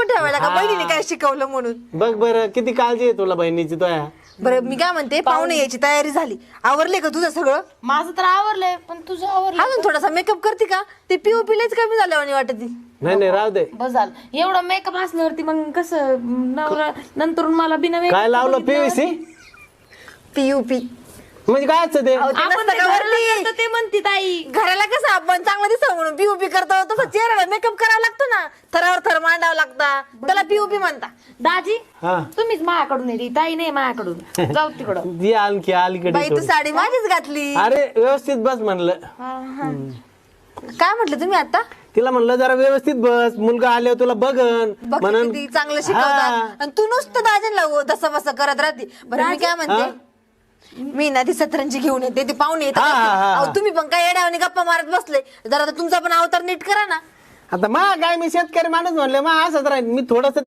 ठेवायला का बहिणीने काय शिकवलं म्हणून. बघ बरं किती काळजी आहे तुला बहिणीची तुया. बरं मी काय म्हणते, पाहुणे यायची तयारी झाली, आवरले का तुझं सगळं? माझं तर आवरलंय, पण तुझं आवरलं अजून थोडासा मेकअप करते का? ते पीओपीलाच कमी झाल्यावानी वाटत. नाही राहू दे. बस झालं. एवढा मेकअप असल्यावरती मग कसं नवरा नंतर मला बिना makeup काय लावलं पीव्हीसी पीयूपी म्हणजे काय असतं ते? आपण ते घराला करतो ते म्हणते ताई. घराला कसं आपण चांगलं दिसावं म्हणून पीओपी करतो, तसं चेहऱ्याला मेकअप करावा लागतो ना, थरावर थर मांडावं लागतं, त्याला पीओपी म्हणता. दाजी हा तुम्हीच माझ्याकडून येते, ताई नाही माझ्याकडून. जाऊ तिकडं. ती आणखी अलीकडे बाई तू थोडी. साडी माझीच घातली. अरे व्यवस्थित बस म्हणलं. काय म्हटलं तुम्ही आता? तिला म्हणलं जरा व्यवस्थित बस, मुलगा आल्यावर तुला बघन बघ म्हणून. किती चांगलं शिकवतात आणि तू नुसतं दाजनला दसं बसं करत राहते. बरं मी काय म्हणते, मी ना ती सतरंजी घेऊन येते, ते पाहुणे येतात. अहो, तुम्ही पण काय येड्यावानी गप्पा मारत बसले, जरा तुमचा पण अवतार नीट करा ना. आता काय मी शेतकरी माणूस म्हणले असंच राहील मी थोडस